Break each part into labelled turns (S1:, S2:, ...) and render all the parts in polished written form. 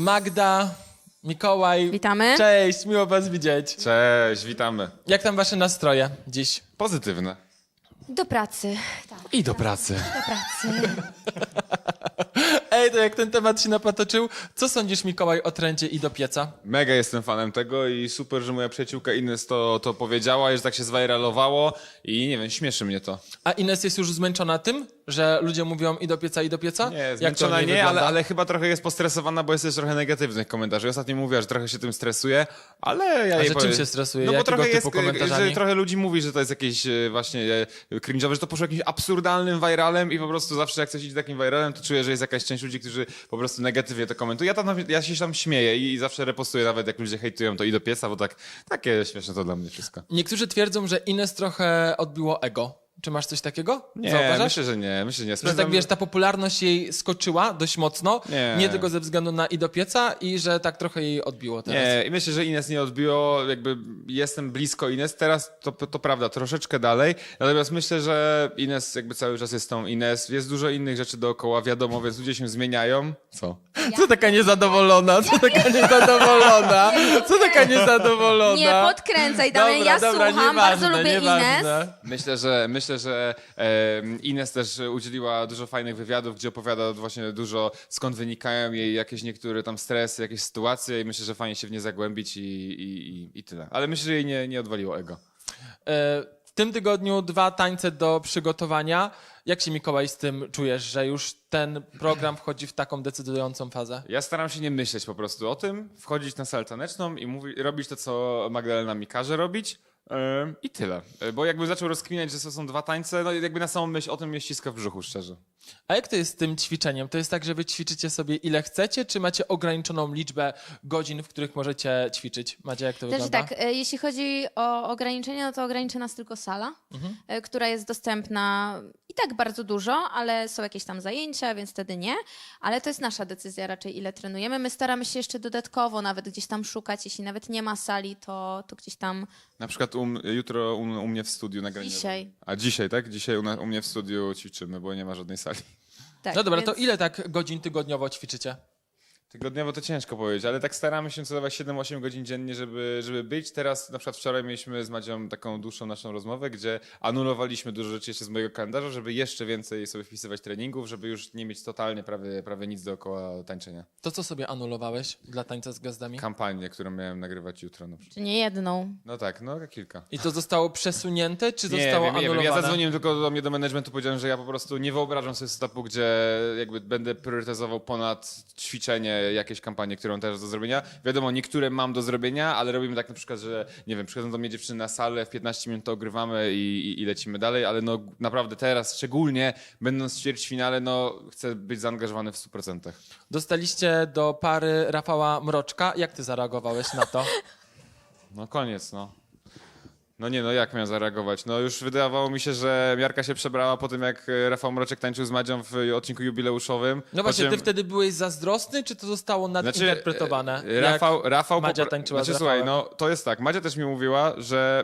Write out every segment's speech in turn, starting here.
S1: Magda, Mikołaj.
S2: Witamy.
S1: Cześć, miło was widzieć.
S3: Cześć, witamy.
S1: Jak tam wasze nastroje dziś?
S3: Pozytywne.
S2: Do pracy. Tak,
S1: I do pracy.
S2: do pracy.
S1: Ej, to jak ten temat się napatoczył, co sądzisz, Mikołaj, o trendzie i do pieca?
S3: Mega jestem fanem tego i super, że moja przyjaciółka Ines to powiedziała i że tak się zwajralowało i nie wiem, śmieszy mnie to.
S1: A Ines jest już zmęczona tym, że ludzie mówią i do pieca, i do pieca?
S3: Nie,
S1: Jak to
S3: zmęczona
S1: nie,
S3: nie,
S1: wygląda?
S3: ale chyba trochę jest postresowana, bo jest też trochę negatywnych komentarzy. Ostatnio mówiła, że trochę się tym stresuje, ale ja
S1: A
S3: jej
S1: że
S3: powiem...
S1: czym się stresuje?
S3: No bo
S1: Jakiego
S3: trochę
S1: typu
S3: jest,
S1: komentarzami?
S3: że trochę ludzi mówi, że to jest jakieś właśnie cringe'owe, że to poszło jakimś absurdalnym viralem i po prostu zawsze jak coś idzie takim viralem, to czuję, że jest jakaś część ludzi, którzy po prostu negatywnie to komentują. Ja się tam śmieję i zawsze repostuję nawet jak ludzie hejtują to i do pieca, bo takie śmieszne to dla mnie wszystko.
S1: Niektórzy twierdzą, że Ines trochę odbiło ego. Czy masz coś takiego?
S3: Nie,
S1: Zauważasz?
S3: myślę, że nie.
S1: Że tak wiesz, ta popularność jej skoczyła dość mocno, nie tylko ze względu na i do pieca i że tak trochę jej odbiło teraz.
S3: Nie, i myślę, że Ines nie odbiło, jakby jestem blisko Ines, teraz to prawda, troszeczkę dalej, natomiast myślę, że Ines jakby cały czas jest tą Ines, jest dużo innych rzeczy dookoła, wiadomo, więc ludzie się zmieniają. Co?
S1: Co taka niezadowolona? Co taka niezadowolona? Co taka niezadowolona?
S2: Nie podkręcaj, Damian, ja słucham, bardzo lubię Ines.
S3: Myślę, że Ines też udzieliła dużo fajnych wywiadów, gdzie opowiada właśnie dużo, skąd wynikają jej jakieś niektóre tam stresy, jakieś sytuacje i myślę, że fajnie się w nie zagłębić i tyle. Ale myślę, że jej nie odwaliło ego.
S1: W tym tygodniu 2 tańce do przygotowania. Jak się, Mikołaj, z tym czujesz, że już ten program wchodzi w taką decydującą fazę?
S3: Ja staram się nie myśleć po prostu o tym, wchodzić na salę taneczną i robić to, co Magdalena mi każe robić. I tyle. Bo jakby zaczął rozkminiać, że to są 2 tańce, no jakby na samą myśl o tym mnie ściska w brzuchu, szczerze.
S1: A jak to jest z tym ćwiczeniem? To jest tak, że wy ćwiczycie sobie ile chcecie, czy macie ograniczoną liczbę godzin, w których możecie ćwiczyć? Macie, jak to
S2: Też
S1: wygląda?
S2: tak, jeśli chodzi o ograniczenia, no to ogranicza nas tylko sala, która jest dostępna i tak bardzo dużo, ale są jakieś tam zajęcia, więc wtedy nie. Ale to jest nasza decyzja raczej, ile trenujemy. My staramy się jeszcze dodatkowo nawet gdzieś tam szukać, jeśli nawet nie ma sali, to gdzieś tam
S3: Na przykład jutro u mnie w studiu nagranie.
S2: Dzisiaj.
S3: A dzisiaj, tak? Dzisiaj u mnie w studiu ćwiczymy, bo nie ma żadnej sali.
S2: tak.
S1: No dobra,
S2: więc...
S1: to ile tak godzin tygodniowo ćwiczycie?
S3: Tygodniowo to ciężko powiedzieć, ale tak staramy się co dawać 7-8 godzin dziennie, żeby być. Teraz na przykład wczoraj mieliśmy z Madzią taką dłuższą naszą rozmowę, gdzie anulowaliśmy dużo rzeczy jeszcze z mojego kalendarza, żeby jeszcze więcej sobie wpisywać treningów, żeby już nie mieć totalnie prawie nic dookoła tańczenia.
S1: To co sobie anulowałeś dla tańca z gwiazdami?
S3: Kampanię, którą miałem nagrywać jutro na przykład.
S2: Czy nie jedną.
S3: No tak, no kilka.
S1: I to zostało przesunięte, czy
S3: Nie
S1: zostało
S3: wiem,
S1: anulowane?
S3: ja zadzwoniłem tylko do mnie do managementu, powiedziałem, że ja po prostu nie wyobrażam sobie setupu, gdzie jakby będę priorytetyzował ponad ćwiczenie jakieś kampanie, którą też do zrobienia. Wiadomo, niektóre mam do zrobienia, ale robimy tak na przykład, że nie wiem, przychodzą do mnie dziewczyny na salę, w 15 minut to ogrywamy i lecimy dalej, ale no naprawdę teraz, szczególnie będąc w ćwierćfinale, no chcę być zaangażowany w 100%.
S1: Dostaliście do pary Rafała Mroczka. Jak ty zareagowałeś na to?
S3: No koniec, no. No nie, no jak miałem zareagować? No już wydawało mi się, że miarka się przebrała po tym, jak Rafał Mroczek tańczył z Madzią w odcinku jubileuszowym.
S1: No właśnie, ty wtedy byłeś zazdrosny, czy to zostało nadinterpretowane?
S3: Rafał
S1: Madzia tańczyła z
S3: słuchaj,
S1: Rafałem?
S3: no to jest tak, Madzia też mi mówiła,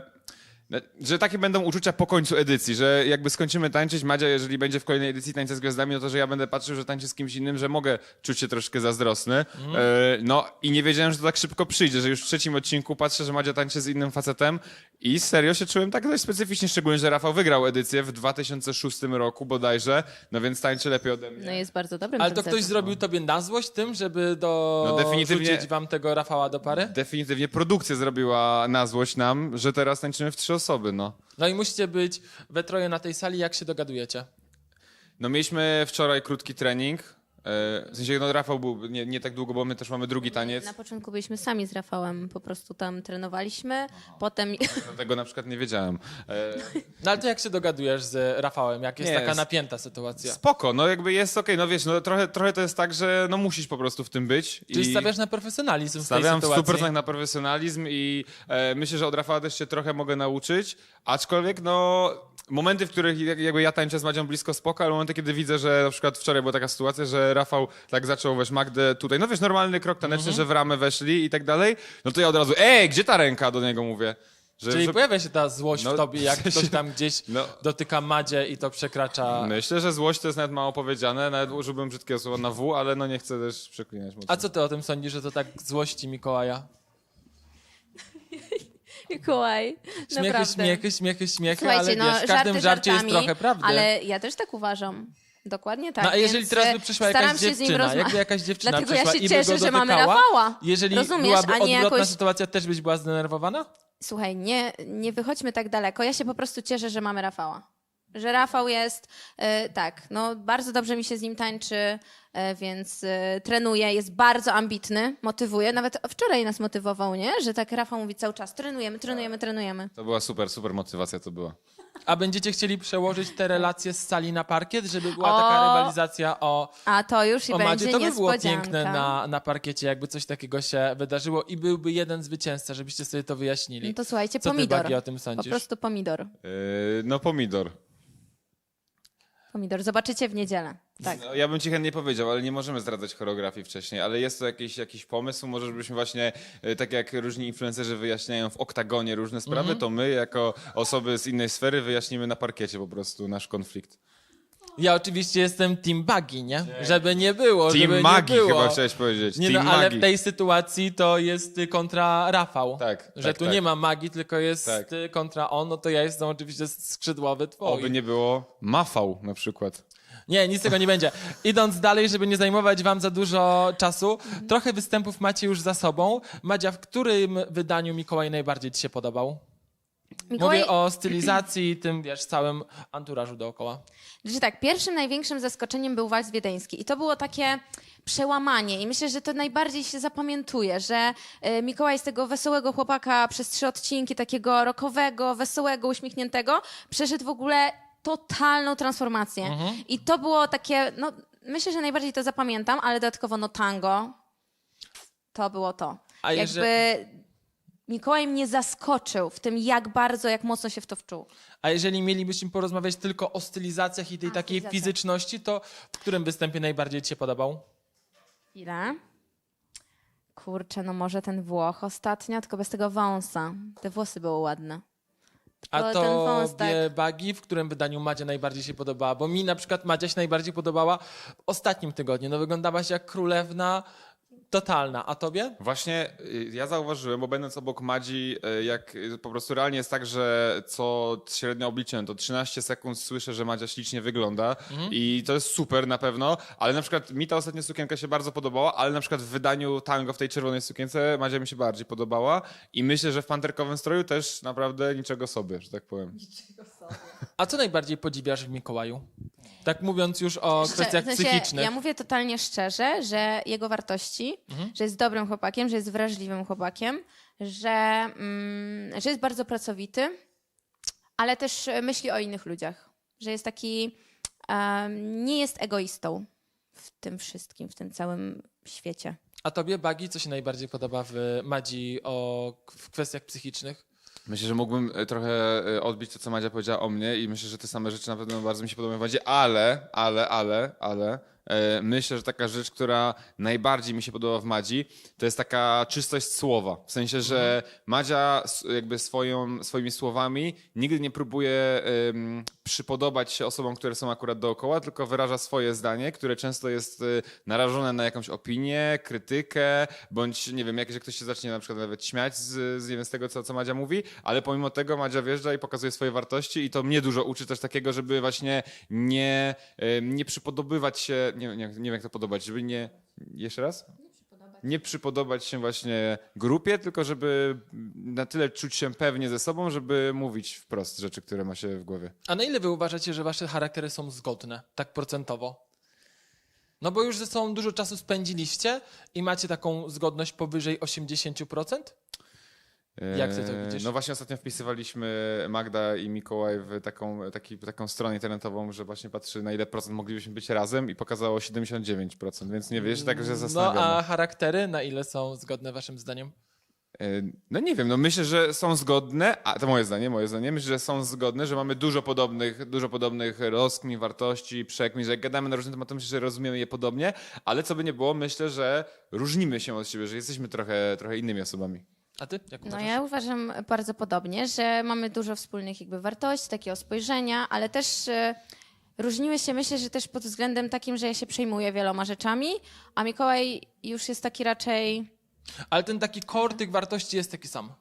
S3: że takie będą uczucia po końcu edycji, że jakby skończymy tańczyć, Madzia, jeżeli będzie w kolejnej edycji Tańca z Gwiazdami, no to, że ja będę patrzył, że tańczy z kimś innym, że mogę czuć się troszkę zazdrosny. No i nie wiedziałem, że to tak szybko przyjdzie, że już w 3. odcinku patrzę, że Madzia tańczy z innym facetem i serio się czułem tak dość specyficznie, szczególnie, że Rafał wygrał edycję w 2006 roku bodajże, no więc tańczy lepiej ode mnie.
S2: No jest bardzo dobrym
S1: Ale to ktoś
S2: tancerzem.
S1: zrobił tobie na złość tym, żeby
S3: No definitywnie-
S1: dorzucić wam tego Rafała do pary?
S3: Definitywnie produkcja zrobiła na złość nam, że teraz tańczymy w 3 osoby, no.
S1: No i musicie być we troje na tej sali, jak się dogadujecie?
S3: No mieliśmy wczoraj krótki trening. W sensie, no Rafał był nie tak długo, bo my też mamy drugi taniec.
S2: Na początku byliśmy sami z Rafałem, po prostu tam trenowaliśmy, potem...
S3: Tego na przykład nie wiedziałem.
S1: No ale to jak się dogadujesz z Rafałem, jak jest
S3: Nie,
S1: taka napięta sytuacja?
S3: Spoko, no jakby jest okej, no wiesz, no trochę to jest tak, że no musisz po prostu w tym być.
S1: Czyli
S3: i
S1: stawiasz na profesjonalizm w tej
S3: stawiam w
S1: sytuacji?
S3: 100% na profesjonalizm i myślę, że od Rafała też się trochę mogę nauczyć, aczkolwiek no momenty, w których jakby ja tańczę z Madzią blisko spoko, ale momenty, kiedy widzę, że na przykład wczoraj była taka sytuacja, że Rafał tak zaczął, weź Magdę tutaj, no wiesz, normalny krok taneczny, że w ramę weszli i tak dalej, no to ja od razu, gdzie ta ręka, do niego mówię.
S1: Czyli pojawia się ta złość
S3: No,
S1: w tobie, jak
S3: w sensie-
S1: ktoś tam gdzieś
S3: No.
S1: dotyka Madzie i to przekracza...
S3: Myślę, że złość to jest nawet mało powiedziane, nawet użyłbym brzydkiego słowa na W, ale no nie chcę też przeklinać mocno.
S1: A co ty o tym sądzisz, że to tak złości Mikołaja?
S2: Mikołaj,
S1: Śmiechy,
S2: naprawdę.
S1: śmiechy,
S2: Słuchajcie,
S1: ale
S2: no,
S1: wiesz, w każdym
S2: żarty
S1: żarcie jest
S2: żartami,
S1: trochę prawdy.
S2: Ale ja też tak uważam. Dokładnie tak.
S1: No a jeżeli
S2: więc,
S1: teraz by przyszła
S2: staram
S1: jakaś
S2: się z nim
S1: dziewczyna,
S2: rozma-
S1: jakby jakaś dziewczyna
S2: Dlatego
S1: przyszła
S2: ja się
S1: i
S2: cieszę,
S1: by go
S2: że mamy
S1: dotykała,
S2: Rafała.
S1: jeżeli
S2: Rozumiesz,
S1: byłaby
S2: a nie
S1: odwrotna
S2: jakoś...
S1: sytuacja, też byś była zdenerwowana?
S2: Słuchaj, nie wychodźmy tak daleko. Ja się po prostu cieszę, że mamy Rafała. Że Rafał jest, tak, no bardzo dobrze mi się z nim tańczy, więc trenuje, jest bardzo ambitny, motywuje. Nawet wczoraj nas motywował, nie? Że tak Rafał mówi cały czas, trenujemy.
S3: To była super motywacja to była.
S1: A będziecie chcieli przełożyć te relacje z sali na parkiet, żeby była
S2: O!
S1: taka rywalizacja
S2: A to już i
S1: o Madzie?
S2: będzie
S1: To by było
S2: niespodzianka.
S1: piękne na parkiecie, jakby coś takiego się wydarzyło i byłby jeden zwycięzca, żebyście sobie to wyjaśnili.
S2: No to słuchajcie,
S1: Co ty,
S2: pomidor.
S1: Bagi, o tym
S2: Po
S1: sądzisz?
S2: prostu pomidor.
S3: No pomidor.
S2: Pomidor. Zobaczycie w niedzielę. Tak.
S3: No, ja bym ci chętnie powiedział, ale nie możemy zdradzać choreografii wcześniej, ale jest to jakiś pomysł, może żebyśmy właśnie, tak jak różni influencerzy wyjaśniają w oktagonie różne sprawy, to my jako osoby z innej sfery wyjaśnimy na parkiecie po prostu nasz konflikt.
S1: Ja oczywiście jestem team Bagi, nie? Żeby nie było, żeby
S3: Team
S1: nie
S3: magii
S1: było.
S3: chyba chciałeś powiedzieć.
S1: Nie,
S3: Team
S1: no, ale
S3: magii.
S1: w tej sytuacji to jest kontra Rafał.
S3: Tak,
S1: Że
S3: tak,
S1: tu
S3: tak.
S1: nie ma magii, tylko jest
S3: Tak.
S1: kontra on, no to ja jestem oczywiście skrzydłowy twój.
S3: Oby nie było Mafał na przykład.
S1: Nie, nic z tego nie będzie. Idąc dalej, żeby nie zajmować wam za dużo czasu, trochę występów macie już za sobą. Madzia, w którym wydaniu Mikołaj najbardziej ci się podobał?
S2: Mikołaj,
S1: Mówię o stylizacji i tym, wiesz, całym anturażu dookoła.
S2: że tak, pierwszym największym zaskoczeniem był wals wiedeński i to było takie przełamanie i myślę, że to najbardziej się zapamiętuje, że Mikołaj z tego wesołego chłopaka przez 3 odcinki, takiego rockowego, wesołego, uśmiechniętego, przeszedł w ogóle totalną transformację. I to było takie, no myślę, że najbardziej to zapamiętam, ale dodatkowo no tango, to było to.
S1: A
S2: Jakby Mikołaj mnie zaskoczył w tym, jak mocno się w to wczuł.
S1: A jeżeli mielibyśmy porozmawiać tylko o stylizacjach i tej takiej
S2: stylizacjach.
S1: fizyczności, to w którym występie najbardziej ci się podobał?
S2: Ile? Kurczę, no może ten Włoch ostatnio, tylko bez tego wąsa. Te włosy były ładne.
S1: A
S2: Tylko ten wąs,
S1: to Bagi, w którym wydaniu Madzia najbardziej się podobała? Bo mi na przykład Madzia się najbardziej podobała w ostatnim tygodniu. No wyglądałaś jak królewna totalna. A tobie?
S3: Właśnie ja zauważyłem, bo będąc obok Madzi, jak po prostu realnie jest tak, że co średnio obliczyłem, to 13 sekund słyszę, że Madzia ślicznie wygląda i to jest super na pewno, ale na przykład mi ta ostatnia sukienka się bardzo podobała, ale na przykład w wydaniu tango w tej czerwonej sukience Madzia mi się bardziej podobała i myślę, że w panterkowym stroju też naprawdę niczego sobie, że tak powiem.
S1: A co najbardziej podziwiasz w Mikołaju? Tak mówiąc już o kwestiach
S2: W sensie,
S1: psychicznych.
S2: ja mówię totalnie szczerze, że jego wartości, że jest dobrym chłopakiem, że jest wrażliwym chłopakiem, że jest bardzo pracowity, ale też myśli o innych ludziach. Że jest taki, nie jest egoistą w tym wszystkim, w tym całym świecie.
S1: A tobie, Bagi, co się najbardziej podoba w Madzi w kwestiach psychicznych?
S3: Myślę, że mógłbym trochę odbić to, co Madzia powiedziała o mnie i myślę, że te same rzeczy na pewno bardzo mi się podobają w Madzie, ale myślę, że taka rzecz, która najbardziej mi się podoba w Madzi, to jest taka czystość słowa. W sensie, że Madzia jakby swoimi słowami nigdy nie próbuje przypodobać się osobom, które są akurat dookoła, tylko wyraża swoje zdanie, które często jest narażone na jakąś opinię, krytykę, bądź nie wiem, że ktoś się zacznie na przykład nawet śmiać nie wiem, z tego, co Madzia mówi, ale pomimo tego Madzia wjeżdża i pokazuje swoje wartości i to mnie dużo uczy też takiego, żeby właśnie nie przypodobywać się, nie wiem jak to podobać, żeby nie... Jeszcze raz? Nie przypodobać się właśnie grupie, tylko żeby na tyle czuć się pewnie ze sobą, żeby mówić wprost rzeczy, które ma się w głowie.
S1: A na ile wy uważacie, że wasze charaktery są zgodne, tak procentowo? No bo już ze sobą dużo czasu spędziliście i macie taką zgodność powyżej 80%? Jak ty to widzisz?
S3: No właśnie ostatnio wpisywaliśmy Magda i Mikołaj w taką stronę internetową, że właśnie patrzy na ile procent moglibyśmy być razem i pokazało 79%, więc nie wiesz, tak się
S1: No
S3: zastanawiamy.
S1: a charaktery na ile są zgodne waszym zdaniem?
S3: No nie wiem, no myślę, że są zgodne, a to moje zdanie, myślę, że są zgodne, że mamy dużo podobnych rozkmin, wartości, przekmin, że jak gadamy na różne tematy, myślę, że rozumiemy je podobnie, ale co by nie było, myślę, że różnimy się od siebie, że jesteśmy trochę innymi osobami.
S1: A ty? Jak
S2: No
S1: uważasz?
S2: ja uważam bardzo podobnie, że mamy dużo wspólnych jakby wartości, takiego spojrzenia, ale też różniły się, myślę, że też pod względem takim, że ja się przejmuję wieloma rzeczami, a Mikołaj już jest taki raczej...
S1: Ale ten taki core tych wartości jest taki sam.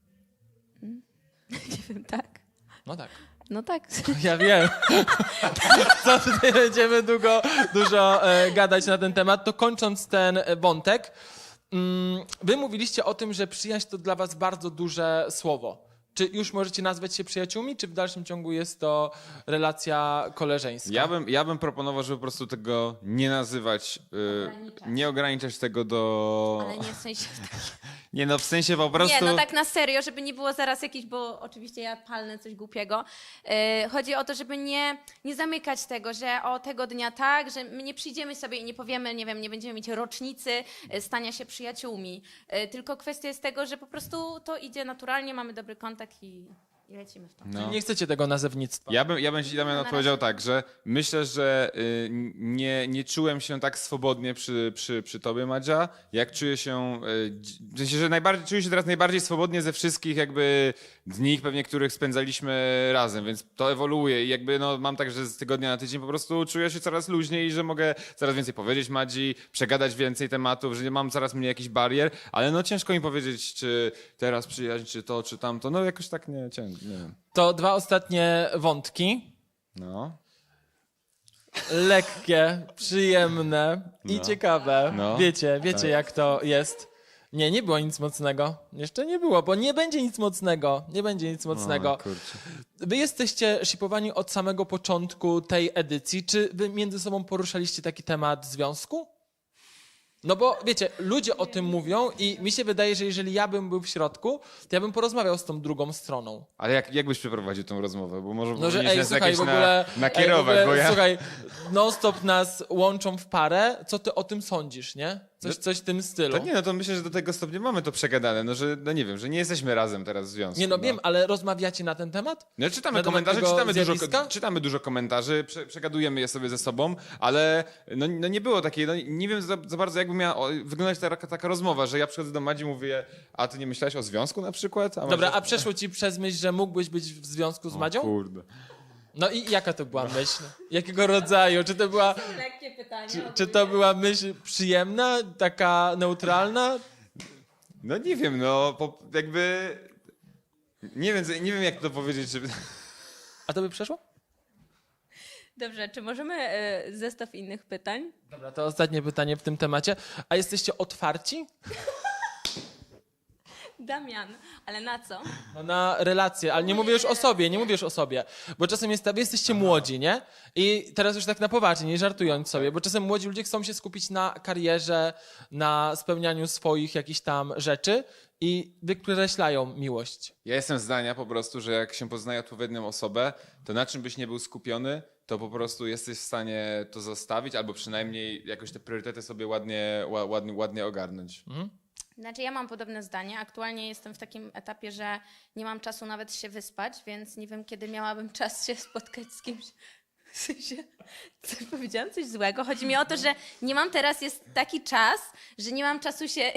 S2: Nie wiem, tak?
S1: No tak.
S2: No tak.
S1: Ja wiem. Co tutaj będziemy dużo gadać na ten temat, to kończąc ten wątek, wy mówiliście o tym, że przyjaźń to dla was bardzo duże słowo. Czy już możecie nazwać się przyjaciółmi, czy w dalszym ciągu jest to relacja koleżeńska?
S3: Ja bym proponował, żeby po prostu tego nie nazywać, nie ograniczać tego do...
S2: Ale nie w sensie...
S3: Nie no, w sensie po prostu...
S2: Nie, no tak na serio, żeby nie było zaraz jakiś, bo oczywiście ja palnę coś głupiego. Chodzi o to, żeby nie zamykać tego, że o tego dnia tak, że my nie przyjdziemy sobie i nie powiemy, nie wiem, nie będziemy mieć rocznicy stania się przyjaciółmi. Tylko kwestia jest tego, że po prostu to idzie naturalnie, mamy dobry kontakt i lecimy w to.
S3: No.
S1: Nie chcecie tego nazewnictwa.
S3: Ja bym ci, Damian, odpowiedział tak, że myślę, że nie czułem się tak swobodnie przy tobie, Madzia, jak czuję się, w sensie, że czuję się teraz najbardziej swobodnie ze wszystkich jakby dni, pewnie których spędzaliśmy razem, więc to ewoluuje i jakby no, mam tak, że z tygodnia na tydzień po prostu czuję się coraz luźniej i że mogę coraz więcej powiedzieć Madzi, przegadać więcej tematów, że nie mam coraz mniej jakichś barier, ale no ciężko mi powiedzieć, czy teraz przyjaźń, czy to, czy tamto, no jakoś tak nie wiem.
S1: To 2 ostatnie wątki.
S3: No.
S1: Lekkie, przyjemne i ciekawe.
S3: No.
S1: Wiecie jak to jest. Nie było nic mocnego. Jeszcze nie było, bo nie będzie nic mocnego. Nie będzie nic mocnego.
S3: O, kurczę.
S1: Wy jesteście shipowani od samego początku tej edycji. Czy wy między sobą poruszaliście taki temat związku? No bo wiecie, ludzie o tym mówią i mi się wydaje, że jeżeli ja bym był w środku, to ja bym porozmawiał z tą drugą stroną.
S3: Ale jak byś przeprowadził tą rozmowę? Bo może
S1: No, że
S3: powinieneś nas
S1: słuchaj,
S3: jakieś
S1: w ogóle,
S3: nakierować,
S1: w ogóle,
S3: bo ja...
S1: Słuchaj, non-stop nas łączą w parę. Co ty o tym sądzisz, nie? Coś w tym stylu.
S3: To nie, no to myślę, że do tego stopnia mamy to przegadane, no że, no nie wiem, że nie jesteśmy razem teraz w związku.
S1: Nie, no wiem, ale rozmawiacie na ten temat?
S3: No czytamy
S1: Na temat
S3: komentarze,
S1: tego
S3: czytamy dużo komentarzy, przegadujemy je sobie ze sobą, ale no nie było takiej, no nie wiem za bardzo jakby miała wyglądać taka rozmowa, że ja przychodzę do Madzi i mówię, a ty nie myślałeś o związku na przykład?
S1: Dobra, a przeszło ci przez myśl, że mógłbyś być w związku z Madzią?
S3: Kurde.
S1: No i jaka to była myśl? Jakiego rodzaju? Czy to była,
S2: Lekkie pytanie.
S1: czy to była myśl przyjemna, taka neutralna?
S3: No nie wiem, no jakby... Nie wiem jak to powiedzieć, żeby...
S1: A to by przeszło?
S2: Dobrze, czy możemy zestaw innych pytań?
S1: Dobra, to ostatnie pytanie w tym temacie. A jesteście otwarci?
S2: Damian, ale na co?
S1: No na relacje, ale nie mówię już o sobie, bo czasem jest tak, wy jesteście młodzi, nie? I teraz już tak na poważnie, nie żartując sobie, bo czasem młodzi ludzie chcą się skupić na karierze, na spełnianiu swoich jakichś tam rzeczy i wykreślają miłość.
S3: Ja jestem zdania po prostu, że jak się poznaje odpowiednią osobę, to na czym byś nie był skupiony, to po prostu jesteś w stanie to zostawić, albo przynajmniej jakoś te priorytety sobie ładnie ogarnąć.
S2: Znaczy ja mam podobne zdanie. Aktualnie jestem w takim etapie, że nie mam czasu nawet się wyspać, więc nie wiem, kiedy miałabym czas się spotkać z kimś. W sensie, powiedziałam coś złego. Chodzi mi o to, że nie mam teraz, jest taki czas, że nie mam czasu się...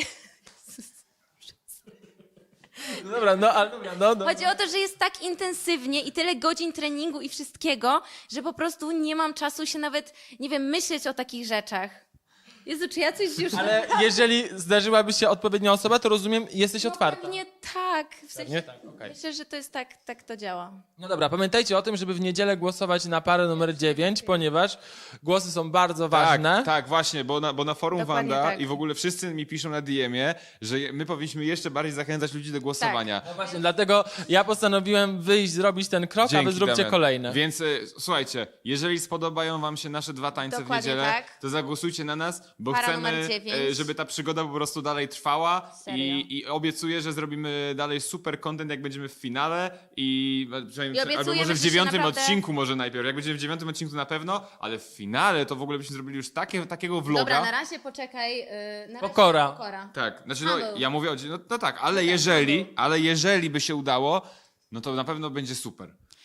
S1: No dobra, no ale dobra, no.
S2: Chodzi o to, że jest tak intensywnie i tyle godzin treningu i wszystkiego, że po prostu nie mam czasu się nawet, nie wiem, myśleć o takich rzeczach. Jezu, czy ja coś już...
S1: Ale jeżeli zdarzyłaby się odpowiednia osoba, to rozumiem, jesteś otwarta.
S2: Pewnie tak. W sensie,
S1: Pewnie tak, okej.
S2: myślę, że to jest tak to działa.
S1: No dobra, pamiętajcie o tym, żeby w niedzielę głosować na parę numer 9, ponieważ głosy są bardzo ważne.
S3: Tak, właśnie, bo na forum
S2: Dokładnie
S3: Wanda
S2: tak.
S3: i w ogóle wszyscy mi piszą na DM-ie, że my powinniśmy jeszcze bardziej zachęcać ludzi do głosowania.
S1: No właśnie, dlatego ja postanowiłem wyjść, zrobić ten krok, a wy
S3: Dzięki,
S1: zróbcie
S3: Damian.
S1: kolejne.
S3: Więc słuchajcie, jeżeli spodobają wam się nasze 2 tańce w
S2: Dokładnie
S3: niedzielę,
S2: tak.
S3: to zagłosujcie na nas, bo
S2: Para
S3: chcemy,
S2: numer 9.
S3: żeby ta przygoda po prostu dalej trwała
S2: Serio.
S3: i obiecuję, że zrobimy dalej super content, jak będziemy w finale i przynajmniej, albo
S2: obiecujemy,
S3: może w
S2: że się
S3: 9
S2: naprawdę-
S3: odcinku może najpierw, jak będziemy w 9 odcinku na pewno, ale w finale to w ogóle byśmy zrobili już takiego vloga.
S2: Dobra, na razie poczekaj. Na razie
S1: Pokora.
S2: pokora.
S3: Tak, znaczy
S2: Paweł.
S3: ja mówię o... No tak, ale jeżeli by się udało, no to na pewno będzie super.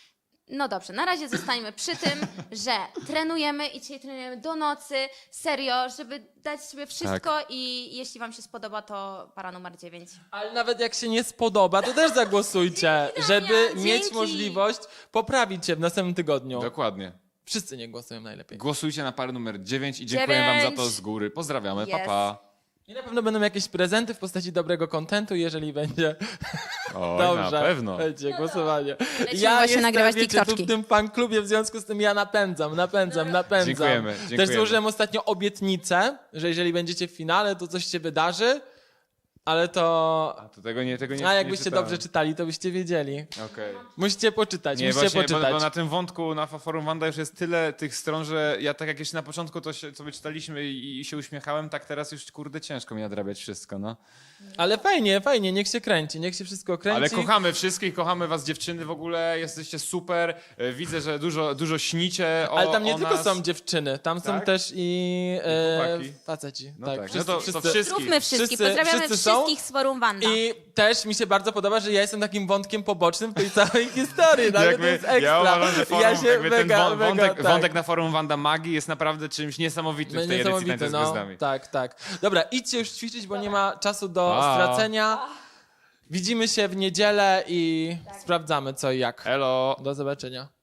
S2: No dobrze, na razie zostańmy przy tym, że trenujemy i dzisiaj trenujemy do nocy, serio, żeby dać sobie wszystko i jeśli wam się spodoba, to para numer 9.
S1: Ale nawet jak się nie spodoba, to też zagłosujcie, żeby
S2: Damian,
S1: mieć
S2: dzięki.
S1: możliwość poprawić się w następnym tygodniu.
S3: Dokładnie.
S1: Wszyscy nie głosują najlepiej.
S3: Głosujcie na parę numer 9 i dziękuję wam za
S2: 9.
S3: to z góry. Pozdrawiamy,
S2: Yes.
S3: pa pa.
S1: I na pewno będą jakieś prezenty w postaci dobrego kontentu, jeżeli będzie
S3: Oj,
S1: dobrze.
S3: na pewno.
S1: Będzie głosowanie.
S2: Lecimy właśnie nagrywać
S1: tu
S2: TikToczki.
S1: w tym fanklubie, w związku z tym ja napędzam.
S3: Dziękujemy.
S1: Też złożyłem ostatnio obietnicę, że jeżeli będziecie w finale, to coś się wydarzy, ale to...
S3: A to tego nie
S1: A jakbyście
S3: czytałem.
S1: dobrze czytali, to byście wiedzieli.
S3: Okej.
S1: Musicie poczytać,
S3: Nie,
S1: musicie
S3: właśnie,
S1: poczytać.
S3: bo na tym wątku na forum Wanda już jest tyle tych stron, że ja tak jak jeszcze na początku to się, sobie czytaliśmy i się uśmiechałem, tak teraz już kurde ciężko mi nadrabiać wszystko, no.
S1: Ale fajnie, niech się kręci, niech się wszystko kręci.
S3: Ale kochamy wszystkich, kochamy was dziewczyny w ogóle, jesteście super, widzę, że dużo śnicie o
S1: Ale tam nie
S3: o
S1: tylko
S3: nas.
S1: są dziewczyny, tam są
S3: Tak?
S1: też i
S3: chłopaki?
S1: faceci.
S3: No
S1: tak,
S3: tak,
S1: wszyscy,
S3: no to
S1: wszyscy.
S3: wszystkich.
S2: Zróbmy wszystkich,
S1: Wszyscy-
S2: pozdrawiamy
S1: wszyscy są.
S2: wszystkich z forum Wanda.
S1: I też mi się bardzo podoba, że ja jestem takim wątkiem pobocznym w tej całej historii. Nawet to jest ekstra.
S3: ja uważam, że forum,
S1: się
S3: jakby ten
S1: mega,
S3: wątek,
S1: tak.
S3: wątek na forum Wanda Magii jest naprawdę czymś niesamowitym w tej edycji Tańca z Gwiazdami.
S1: Tak. Dobra, idźcie już ćwiczyć, bo nie ma czasu do
S3: Pa.
S1: stracenia. Widzimy się w niedzielę i sprawdzamy co i jak.
S3: Elo!
S1: Do zobaczenia.